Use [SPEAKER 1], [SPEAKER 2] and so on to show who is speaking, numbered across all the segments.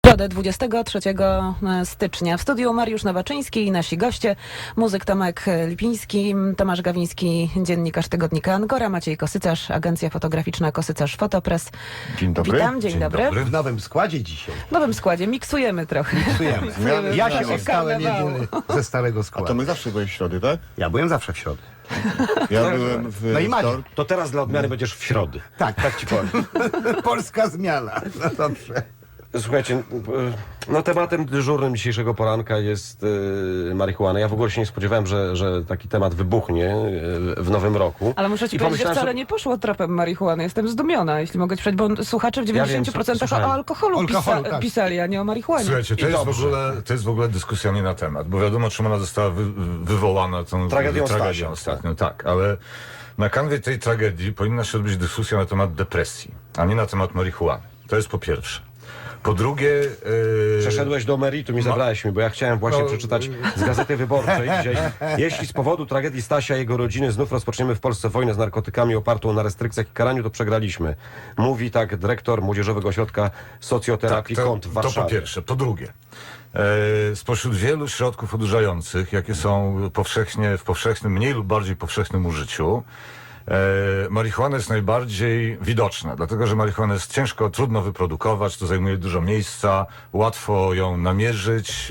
[SPEAKER 1] Środę 23 stycznia w studiu Mariusz Nowaczyński i nasi goście, muzyk Tomek Lipiński, Tomasz Gawiński, dziennikarz tygodnika Angora, Maciej Kosycarz, agencja fotograficzna Kosycarz Fotopress.
[SPEAKER 2] Dzień dobry.
[SPEAKER 1] Witam, dzień dobry.
[SPEAKER 3] W nowym składzie dzisiaj.
[SPEAKER 1] W nowym składzie, miksujemy trochę.
[SPEAKER 3] Ja się
[SPEAKER 1] Trochę
[SPEAKER 3] ostałem
[SPEAKER 1] karnawału.
[SPEAKER 3] jedyny ze starego
[SPEAKER 2] A
[SPEAKER 3] składu.
[SPEAKER 2] to my zawsze byłeś w środę, tak?
[SPEAKER 3] Ja byłem zawsze w środę.
[SPEAKER 2] Ja byłem w
[SPEAKER 3] No i Maciek.
[SPEAKER 2] wtorek.
[SPEAKER 4] To teraz dla odmiany będziesz w środę.
[SPEAKER 3] Tak ci powiem. Polska zmiana. No dobrze.
[SPEAKER 4] Słuchajcie, no tematem dyżurnym dzisiejszego poranka jest marihuana. Ja w ogóle się nie spodziewałem, że taki temat wybuchnie w nowym roku.
[SPEAKER 1] Ale muszę ci
[SPEAKER 4] I
[SPEAKER 1] powiedzieć, że
[SPEAKER 4] pomyślałem
[SPEAKER 1] wcale
[SPEAKER 4] sobie-
[SPEAKER 1] nie poszło tropem marihuany. Jestem zdumiona, jeśli mogę ci powiedzieć, bo słuchacze w 90%
[SPEAKER 4] słuchałem.
[SPEAKER 1] o alkoholu,
[SPEAKER 3] Tak.
[SPEAKER 1] pisali, a nie o marihuanie.
[SPEAKER 5] Słuchajcie,
[SPEAKER 4] I dobrze.
[SPEAKER 5] to jest w ogóle dyskusja nie na temat, bo wiadomo, czym ona została wywołana tą
[SPEAKER 4] Tragedią
[SPEAKER 5] tragedią
[SPEAKER 4] Stasia.
[SPEAKER 5] ostatnią. Tak, ale na kanwie tej tragedii powinna się odbyć dyskusja na temat depresji, a nie na temat marihuany. To jest po pierwsze. Po drugie...
[SPEAKER 4] Przeszedłeś do meritum i zabrałeś mi, bo ja chciałem właśnie przeczytać z Gazety Wyborczej dzisiaj. Jeśli z powodu tragedii Stasia i jego rodziny znów rozpoczniemy w Polsce wojnę z narkotykami opartą na restrykcjach i karaniu, to przegraliśmy. Mówi tak dyrektor Młodzieżowego Ośrodka Socjoterapii KONT w
[SPEAKER 5] to
[SPEAKER 4] Warszawie.
[SPEAKER 5] po pierwsze. Po drugie, spośród wielu środków odurzających, jakie są w powszechnym, mniej lub bardziej powszechnym użyciu, marihuana jest najbardziej widoczna, dlatego że marihuanę jest ciężko, trudno wyprodukować, to zajmuje dużo miejsca, łatwo ją namierzyć,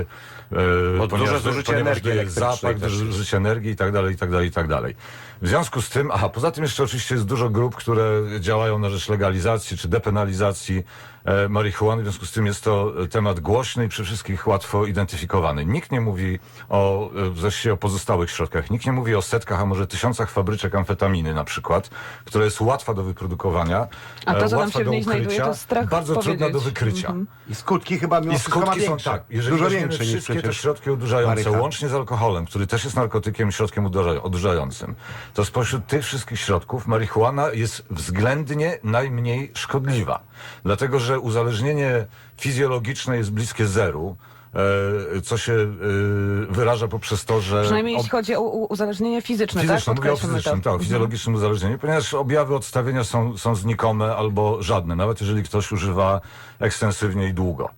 [SPEAKER 4] duże zużycie energii
[SPEAKER 5] daje
[SPEAKER 4] elektrycznej
[SPEAKER 5] zapach,
[SPEAKER 4] też.
[SPEAKER 5] duże zużycie energii i tak dalej, i tak dalej, i tak dalej. W związku z tym, poza tym jeszcze oczywiście jest dużo grup, które działają na rzecz legalizacji czy depenalizacji marihuany, w związku z tym jest to temat głośny i przy wszystkich łatwo identyfikowany. Nikt nie mówi właściwie o pozostałych środkach, nikt nie mówi o setkach, a może tysiącach fabryczek amfetaminy na przykład, która jest łatwa do wyprodukowania,
[SPEAKER 1] A to, co tam
[SPEAKER 5] łatwa
[SPEAKER 1] się w
[SPEAKER 5] do
[SPEAKER 1] niej znajduje,
[SPEAKER 5] ukrycia,
[SPEAKER 1] to strach
[SPEAKER 5] bardzo trudna
[SPEAKER 1] powiedzieć.
[SPEAKER 5] do wykrycia.
[SPEAKER 3] I skutki chyba mimo
[SPEAKER 5] I
[SPEAKER 3] wszystko ma
[SPEAKER 5] skutki są
[SPEAKER 3] większe.
[SPEAKER 5] tak, jeżeli
[SPEAKER 3] Dużo
[SPEAKER 5] weźmiemy
[SPEAKER 3] większe niż
[SPEAKER 5] wszystkie te
[SPEAKER 3] przecież
[SPEAKER 5] środki odurzające,
[SPEAKER 3] marychana.
[SPEAKER 5] łącznie z alkoholem, który też jest narkotykiem, środkiem odurzającym, to spośród tych wszystkich środków marihuana jest względnie najmniej szkodliwa. Dlatego, że uzależnienie fizjologiczne jest bliskie zeru, co się wyraża poprzez to, że...
[SPEAKER 1] Przynajmniej jeśli chodzi o uzależnienie fizyczne,
[SPEAKER 5] Fizyczne,
[SPEAKER 1] tak?
[SPEAKER 5] mówię o
[SPEAKER 1] Podkreślmy
[SPEAKER 5] fizycznym,
[SPEAKER 1] to.
[SPEAKER 5] tak, o fizjologicznym uzależnieniu, ponieważ objawy odstawienia są znikome albo żadne, nawet jeżeli ktoś używa ekstensywnie i długo.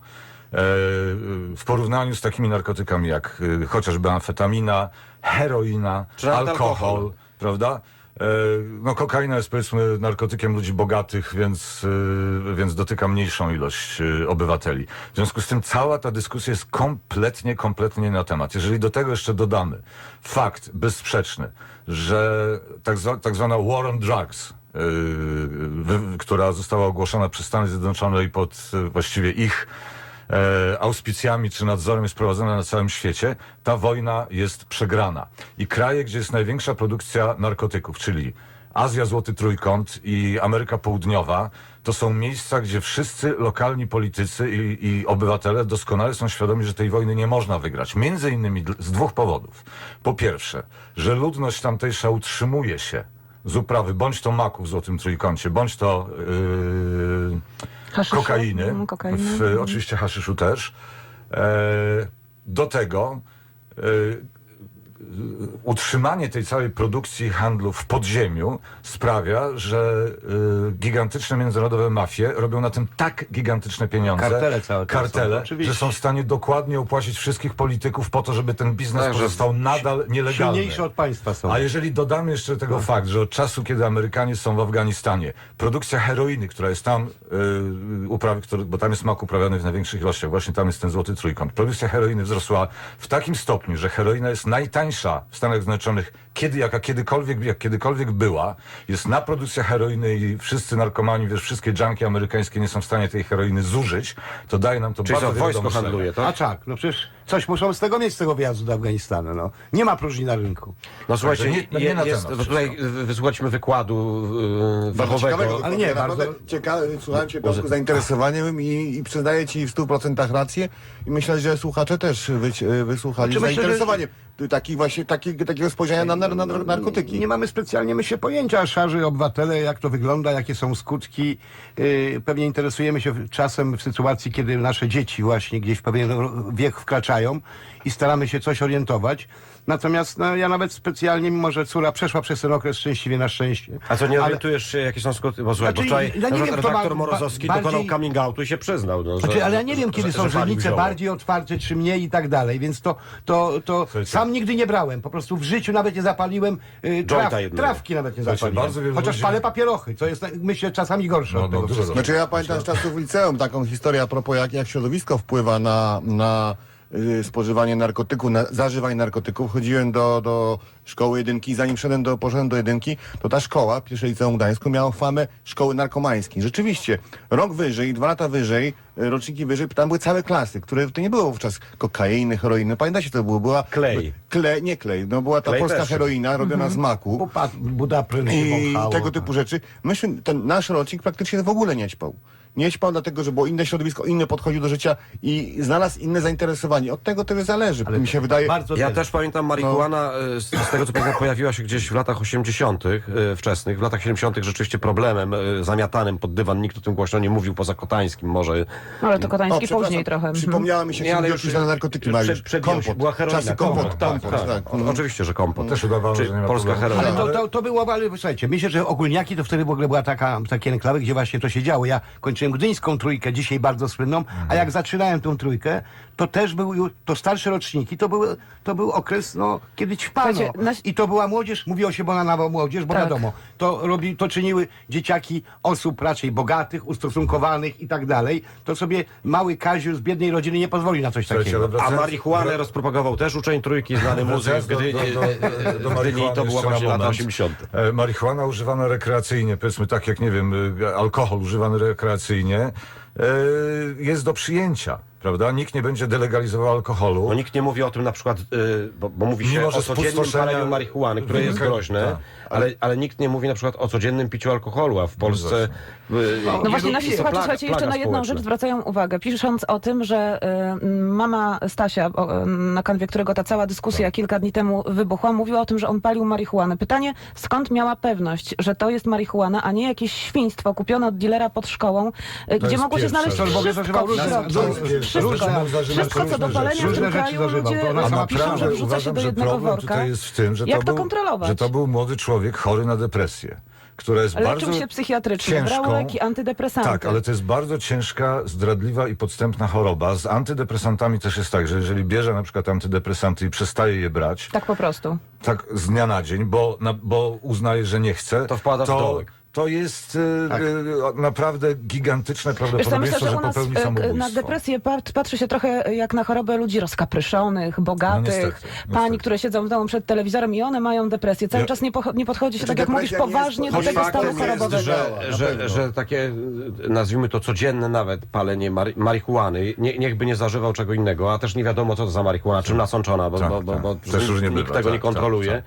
[SPEAKER 5] W porównaniu z takimi narkotykami jak chociażby amfetamina, heroina,
[SPEAKER 4] Czy nawet
[SPEAKER 5] alkohol,
[SPEAKER 4] alkohol.
[SPEAKER 5] prawda? No kokaina jest powiedzmy narkotykiem ludzi bogatych, więc dotyka mniejszą ilość obywateli. W związku z tym cała ta dyskusja jest kompletnie nie na temat. Jeżeli do tego jeszcze dodamy fakt bezsprzeczny, że tak zwana war on drugs, która została ogłoszona przez Stany Zjednoczone i pod właściwie ich auspicjami czy nadzorem jest prowadzona na całym świecie, ta wojna jest przegrana. I kraje, gdzie jest największa produkcja narkotyków, czyli Azja, Złoty Trójkąt i Ameryka Południowa, to są miejsca, gdzie wszyscy lokalni politycy i obywatele doskonale są świadomi, że tej wojny nie można wygrać. Między innymi z dwóch powodów. Po pierwsze, że ludność tamtejsza utrzymuje się z uprawy bądź to maku w Złotym Trójkącie, bądź to
[SPEAKER 1] Hasyszu?
[SPEAKER 5] kokainy,
[SPEAKER 1] Kokainy.
[SPEAKER 5] oczywiście haszyszu też. Do tego utrzymanie tej całej produkcji i handlu w podziemiu sprawia, że gigantyczne międzynarodowe mafie robią na tym tak gigantyczne pieniądze,
[SPEAKER 3] Kartele całe to są, oczywiście.
[SPEAKER 5] że są w stanie dokładnie opłacić wszystkich polityków po to, żeby ten biznes
[SPEAKER 4] Tak, że
[SPEAKER 5] pozostał nadal nielegalny.
[SPEAKER 3] silniejsze od państwa są.
[SPEAKER 5] A jeżeli dodamy jeszcze do tego fakt, że od czasu, kiedy Amerykanie są w Afganistanie, produkcja heroiny, która jest tam, bo tam jest mak uprawiany w największych ilościach, właśnie tam jest ten Złoty Trójkąt, produkcja heroiny wzrosła w takim stopniu, że heroina jest najtańsza w Stanach Zjednoczonych, jak kiedykolwiek była, jest na produkcja heroiny i wszyscy narkomani, wszystkie junkie amerykańskie nie są w stanie tej heroiny zużyć, to daje nam to
[SPEAKER 4] Czyli
[SPEAKER 5] bardzo
[SPEAKER 4] co,
[SPEAKER 5] wiele
[SPEAKER 4] wojsko
[SPEAKER 5] do myślenia.
[SPEAKER 4] handluje,
[SPEAKER 3] A
[SPEAKER 4] tak?
[SPEAKER 3] tak, no przecież coś muszą z tego mieć, z tego wyjazdu do Afganistanu. No. Nie ma próżni na rynku.
[SPEAKER 4] No słuchajcie,
[SPEAKER 5] Także nie na
[SPEAKER 4] jest,
[SPEAKER 5] temat
[SPEAKER 4] tutaj wysłuchaliśmy wykładu fachowego.
[SPEAKER 3] Ale nie,
[SPEAKER 2] naprawdę
[SPEAKER 3] bardzo-
[SPEAKER 2] ciekawe, słuchałem Cię Piotrku, z zainteresowaniem i przyznaję Ci w 100% rację i myślę, że słuchacze też wysłuchali z
[SPEAKER 3] Znaczy, myślę, że-
[SPEAKER 2] zainteresowaniem. Takiego spojrzenia na narkotyki.
[SPEAKER 3] Nie mamy specjalnie, myślę, pojęcia, szarzy obywatele, jak to wygląda, jakie są skutki. Pewnie interesujemy się czasem w sytuacji, kiedy nasze dzieci właśnie gdzieś w pewien wiek wkraczają. czytają i staramy się coś orientować. Natomiast no, ja nawet specjalnie, mimo że córa przeszła przez ten okres szczęśliwie na szczęście.
[SPEAKER 4] A co, nie
[SPEAKER 3] ale-
[SPEAKER 4] orientujesz się, jakie są skutki? Bo słuchaj,
[SPEAKER 3] Znaczy,
[SPEAKER 4] bo wczoraj
[SPEAKER 3] ja nie wiem, kto
[SPEAKER 4] redaktor
[SPEAKER 3] ma
[SPEAKER 4] Morozowski
[SPEAKER 3] bardziej-
[SPEAKER 4] dokonał coming outu i się przyznał. No,
[SPEAKER 3] Znaczy, ale ja nie wiem, kiedy są
[SPEAKER 4] że palił
[SPEAKER 3] źrenice
[SPEAKER 4] zioło.
[SPEAKER 3] bardziej otwarte, czy mniej i tak dalej, więc to sam nigdy nie brałem. Po prostu w życiu nawet nie zapaliłem
[SPEAKER 4] Jointa jednego.
[SPEAKER 3] trawki nawet nie
[SPEAKER 5] Słuchajcie,
[SPEAKER 3] zapaliłem.
[SPEAKER 5] bardzo wielu
[SPEAKER 3] Chociaż
[SPEAKER 5] ludzi-
[SPEAKER 3] palę papierochy, co jest, myślę, czasami gorsze
[SPEAKER 5] No,
[SPEAKER 3] od tego
[SPEAKER 5] dużo
[SPEAKER 3] wszystkiego.
[SPEAKER 2] Znaczy ja pamiętam z czasów liceum taką historię a propos jak środowisko wpływa na spożywanie narkotyków, na zażywanie narkotyków. Chodziłem do szkoły jedynki i zanim poszedłem do jedynki, to ta szkoła, pierwsze liceum w Gdańsku, miała famę szkoły narkomańskiej. Rzeczywiście, rok wyżej, 2 lata wyżej, roczniki wyżej, tam były całe klasy, które to nie było wówczas kokainy, heroiny. Pamiętacie, to było? Była
[SPEAKER 4] Klej.
[SPEAKER 2] Nie klej, no była ta
[SPEAKER 4] Klej
[SPEAKER 2] polska
[SPEAKER 4] też.
[SPEAKER 2] heroina robiona z maku.
[SPEAKER 3] Budapryn się
[SPEAKER 2] I
[SPEAKER 3] wąchało.
[SPEAKER 2] tego typu rzeczy. Myśmy, ten nasz rocznik praktycznie w ogóle nie ćpał. Nie ćpał dlatego, że było inne środowisko, inny podchodził do życia i znalazł inne zainteresowanie. Od tego to zależy, mi się wydaje.
[SPEAKER 3] Bardzo
[SPEAKER 4] Ja
[SPEAKER 3] wiele.
[SPEAKER 4] też pamiętam marihuana, z tego co pamiętam, pojawiła się gdzieś w latach 80. Wczesnych. W latach 70. rzeczywiście problemem zamiatanym pod dywan. Nikt o tym głośno nie mówił, poza Kotańskim może.
[SPEAKER 1] Ale to Kotański
[SPEAKER 2] przepraszam,
[SPEAKER 1] później trochę. Mhm.
[SPEAKER 2] Przypomniała mi się,
[SPEAKER 4] Nie, ale
[SPEAKER 2] jak
[SPEAKER 4] już
[SPEAKER 2] się na narkotyki Mariusz.
[SPEAKER 4] przed była heroina.
[SPEAKER 2] Czasy kompot,
[SPEAKER 4] tak. Oczywiście, że kompot.
[SPEAKER 5] Też udawało,
[SPEAKER 4] Czy
[SPEAKER 5] że nie ma
[SPEAKER 4] polska
[SPEAKER 5] problemu.
[SPEAKER 4] heroina.
[SPEAKER 3] Ale to było, ale słuchajcie, myślę, że ogólniaki to wtedy w ogóle była takie enklawy, gdzie właśnie to się działo. Ja kończyłem gdyńską trójkę, dzisiaj bardzo słynną, a jak zaczynałem tą trójkę, to też to starsze roczniki, to był okres, no, kiedy ćpano.
[SPEAKER 1] Słuchajcie,
[SPEAKER 3] I to była młodzież, mówiło się bananowa młodzież, bo
[SPEAKER 1] Tak.
[SPEAKER 3] wiadomo, to czyniły dzieciaki osób raczej bogatych, ustosunkowanych i tak dalej. To sobie mały Kaziu z biednej rodziny nie pozwoli na coś
[SPEAKER 5] Słuchajcie,
[SPEAKER 3] takiego.
[SPEAKER 5] ale
[SPEAKER 4] A
[SPEAKER 5] wracając-
[SPEAKER 4] marihuanę rozpropagował też uczeń trójki, znany muzyk w Gdyni.
[SPEAKER 5] do
[SPEAKER 4] W Gdyni to była
[SPEAKER 5] jeszcze na
[SPEAKER 4] właśnie lata
[SPEAKER 5] moment.
[SPEAKER 4] 80.
[SPEAKER 5] Marihuana używana rekreacyjnie, powiedzmy tak jak, nie wiem, alkohol używany rekreacyjnie, jest do przyjęcia, prawda? Nikt nie będzie delegalizował alkoholu.
[SPEAKER 4] No nikt nie mówi o tym na przykład, bo mówi się
[SPEAKER 5] Mimo, że
[SPEAKER 4] o codziennym
[SPEAKER 5] spustoszenia
[SPEAKER 4] paleniu marihuany, które jest
[SPEAKER 5] wynika-
[SPEAKER 4] groźne,
[SPEAKER 5] tak.
[SPEAKER 4] ale nikt nie mówi na przykład o codziennym piciu alkoholu, a w Polsce...
[SPEAKER 1] No właśnie, nasi słuchacze, słuchajcie, jeszcze na jedną
[SPEAKER 4] społeczna.
[SPEAKER 1] rzecz zwracają uwagę, pisząc o tym, że mama Stasia, na kanwie którego ta cała dyskusja kilka dni temu wybuchła, mówiła o tym, że on palił marihuanę. Pytanie, skąd miała pewność, że to jest marihuana, a nie jakieś świństwo kupione od dealera pod szkołą, gdzie
[SPEAKER 5] jest
[SPEAKER 1] mogło się
[SPEAKER 5] pierwsze.
[SPEAKER 1] znaleźć
[SPEAKER 3] To w ogóle
[SPEAKER 1] wszystko
[SPEAKER 3] zażywał
[SPEAKER 1] w
[SPEAKER 3] różne-
[SPEAKER 1] środku.
[SPEAKER 3] to jest pierwsze.
[SPEAKER 1] Wszystko,
[SPEAKER 3] Różne
[SPEAKER 5] zażywał
[SPEAKER 1] wszystko co do
[SPEAKER 5] różne
[SPEAKER 1] palenia
[SPEAKER 5] rzeczy.
[SPEAKER 1] w tym
[SPEAKER 3] Różne rzeczy
[SPEAKER 1] kraju
[SPEAKER 3] zażywał.
[SPEAKER 1] ludzie
[SPEAKER 3] To ona
[SPEAKER 5] A
[SPEAKER 3] sama
[SPEAKER 1] piszą, że
[SPEAKER 5] naprawdę
[SPEAKER 1] wrzuca się
[SPEAKER 5] uważam,
[SPEAKER 1] do
[SPEAKER 5] że
[SPEAKER 1] jednego
[SPEAKER 5] problem
[SPEAKER 1] worka.
[SPEAKER 5] tutaj jest w tym, że
[SPEAKER 1] Jak to
[SPEAKER 5] był,
[SPEAKER 1] kontrolować?
[SPEAKER 5] że to był młody człowiek chory na depresję, która jest
[SPEAKER 1] Leczył
[SPEAKER 5] bardzo
[SPEAKER 1] się psychiatrycznie, brał
[SPEAKER 5] ciężką.
[SPEAKER 1] leki antydepresanty.
[SPEAKER 5] Tak, ale to jest bardzo ciężka, zdradliwa i podstępna choroba. Z antydepresantami też jest tak, że jeżeli bierze na przykład antydepresanty i przestaje je brać,
[SPEAKER 1] Tak po prostu.
[SPEAKER 5] tak z dnia na dzień, bo uznaje, że nie chce,
[SPEAKER 4] To wpada w dołek.
[SPEAKER 5] to jest naprawdę gigantyczne
[SPEAKER 1] Wiesz co,
[SPEAKER 5] prawdopodobieństwo,
[SPEAKER 1] myślę, że u nas
[SPEAKER 5] popełni
[SPEAKER 1] na
[SPEAKER 5] samobójstwo.
[SPEAKER 1] depresję patrzy się trochę jak na chorobę ludzi rozkapryszonych, bogatych,
[SPEAKER 5] niestety.
[SPEAKER 1] pań, które siedzą w domu przed telewizorem i one mają depresję. Cały
[SPEAKER 5] Ja-
[SPEAKER 1] czas nie podchodzi się,
[SPEAKER 2] Znaczy,
[SPEAKER 1] tak jak mówisz,
[SPEAKER 2] depresja nie jest
[SPEAKER 1] poważnie do
[SPEAKER 2] choć
[SPEAKER 1] tego
[SPEAKER 2] faktem
[SPEAKER 1] stanu
[SPEAKER 2] jest,
[SPEAKER 1] chorobowego.
[SPEAKER 2] że-
[SPEAKER 4] Że takie, nazwijmy to codzienne nawet palenie marihuany, niech by nie zażywał czego innego, a też nie wiadomo co to za marihuana, czym nasączona, bo
[SPEAKER 5] Też różnie
[SPEAKER 4] nikt
[SPEAKER 5] bywa,
[SPEAKER 4] tego
[SPEAKER 5] tak,
[SPEAKER 4] nie kontroluje.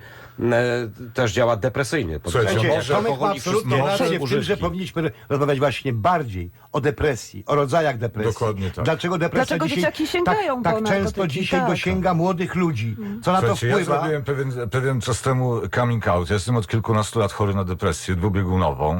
[SPEAKER 4] Też działa depresyjnie.
[SPEAKER 5] Słuchajcie,
[SPEAKER 3] Słuchajcie,
[SPEAKER 5] może
[SPEAKER 3] Tomek ma
[SPEAKER 4] alkohol i
[SPEAKER 3] absolutnie
[SPEAKER 4] wszystkie
[SPEAKER 3] rację w tym,
[SPEAKER 4] używki.
[SPEAKER 3] że powinniśmy rozmawiać właśnie bardziej o depresji, o rodzajach depresji.
[SPEAKER 5] Dokładnie tak.
[SPEAKER 3] Dlaczego depresja
[SPEAKER 1] Dlaczego
[SPEAKER 3] dzisiaj
[SPEAKER 1] dzieciaki sięgają
[SPEAKER 3] tak
[SPEAKER 1] po
[SPEAKER 3] często
[SPEAKER 1] narkotyki?
[SPEAKER 3] dzisiaj
[SPEAKER 1] Tak.
[SPEAKER 3] dosięga młodych ludzi? Co na to
[SPEAKER 5] Słuchajcie, ja
[SPEAKER 3] wpływa?
[SPEAKER 5] zrobiłem pewien czas temu coming out. Ja jestem od kilkunastu lat chory na depresję dwubiegunową,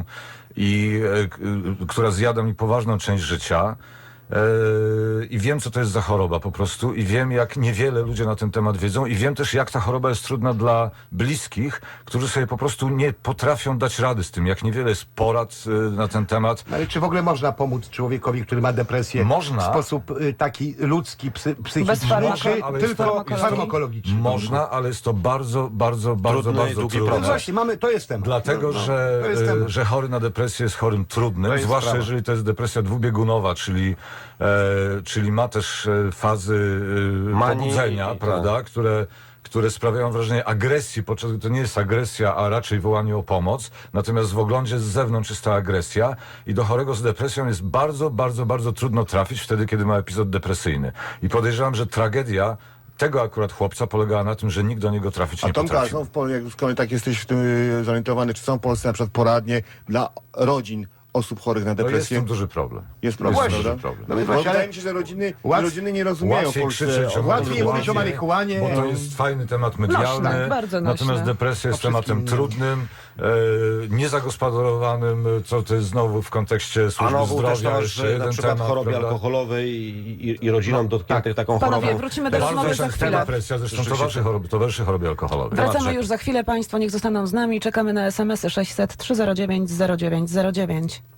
[SPEAKER 5] która zjada mi poważną część życia. I wiem, co to jest za choroba po prostu i wiem, jak niewiele ludzie na ten temat wiedzą i wiem też, jak ta choroba jest trudna dla bliskich, którzy sobie po prostu nie potrafią dać rady z tym, jak niewiele jest porad na ten temat.
[SPEAKER 3] Ale czy w ogóle można pomóc człowiekowi, który ma depresję
[SPEAKER 5] Można.
[SPEAKER 3] w sposób taki ludzki, psychiczny,
[SPEAKER 1] farmako-
[SPEAKER 3] czy
[SPEAKER 5] ale jest
[SPEAKER 3] tylko
[SPEAKER 1] to-
[SPEAKER 3] farmakologiczny?
[SPEAKER 5] Można, ale jest to bardzo
[SPEAKER 4] Trudny i długi
[SPEAKER 5] trudne.
[SPEAKER 4] proces.
[SPEAKER 3] Właśnie, to jest temat.
[SPEAKER 5] Dlatego,
[SPEAKER 3] to jest temat.
[SPEAKER 5] że chory na depresję jest chorym trudnym,
[SPEAKER 3] To jest
[SPEAKER 5] zwłaszcza
[SPEAKER 3] sprawa.
[SPEAKER 5] jeżeli to jest depresja dwubiegunowa, czyli ma też fazy
[SPEAKER 4] Manii
[SPEAKER 5] pobudzenia,
[SPEAKER 4] i-
[SPEAKER 5] prawda, które sprawiają wrażenie agresji, podczas gdy to nie jest agresja, a raczej wołanie o pomoc. Natomiast w oglądzie z zewnątrz jest ta agresja i do chorego z depresją jest bardzo trudno trafić wtedy, kiedy ma epizod depresyjny. I podejrzewam, że tragedia tego akurat chłopca polegała na tym, że nikt do niego trafić
[SPEAKER 2] A
[SPEAKER 5] nie
[SPEAKER 2] Tomka,
[SPEAKER 5] potrafił.
[SPEAKER 2] są w Polsce, jak skoro tak jesteś w tym zorientowany, czy są w Polsce na przykład poradnie dla rodzin osób chorych na
[SPEAKER 5] To jest
[SPEAKER 2] depresję?
[SPEAKER 5] tym duży problem.
[SPEAKER 2] Jest problem,
[SPEAKER 5] Jest
[SPEAKER 2] prawda?
[SPEAKER 5] duży problem.
[SPEAKER 3] No i
[SPEAKER 2] Bo
[SPEAKER 3] właśnie,
[SPEAKER 2] wydaje
[SPEAKER 3] ale
[SPEAKER 2] mi się, że rodziny nie
[SPEAKER 5] Łatwiej
[SPEAKER 2] rozumieją w Polsce.
[SPEAKER 5] krzyczeć o
[SPEAKER 3] łatwiej mówić o
[SPEAKER 5] marihuanie,
[SPEAKER 3] marihuanie.
[SPEAKER 5] bo to jest fajny temat medialny.
[SPEAKER 1] Nośne, bardzo nośne.
[SPEAKER 5] Natomiast depresja jest
[SPEAKER 3] O wszystkim
[SPEAKER 5] tematem
[SPEAKER 3] innym.
[SPEAKER 5] trudnym niezagospodarowanym, co to jest znowu w kontekście
[SPEAKER 4] A
[SPEAKER 5] służby
[SPEAKER 4] no był też
[SPEAKER 5] zdrowia.
[SPEAKER 4] temat,
[SPEAKER 5] jeszcze
[SPEAKER 4] że na
[SPEAKER 5] jeden
[SPEAKER 4] przykład
[SPEAKER 5] temat,
[SPEAKER 4] chorobie
[SPEAKER 5] prawda?
[SPEAKER 4] alkoholowej i rodzinom dotkniętych taką
[SPEAKER 1] Panowie,
[SPEAKER 4] chorobą.
[SPEAKER 1] wrócimy do
[SPEAKER 5] Bardzo
[SPEAKER 1] rozmowy za
[SPEAKER 5] częsta
[SPEAKER 1] chwilę.
[SPEAKER 5] presja, zresztą
[SPEAKER 4] Rzeczywiście.
[SPEAKER 5] towarzyszy chorobie alkoholowej.
[SPEAKER 1] Wracamy już za chwilę. Państwo niech zostaną z nami. Czekamy na SMS-y 600 309 0909.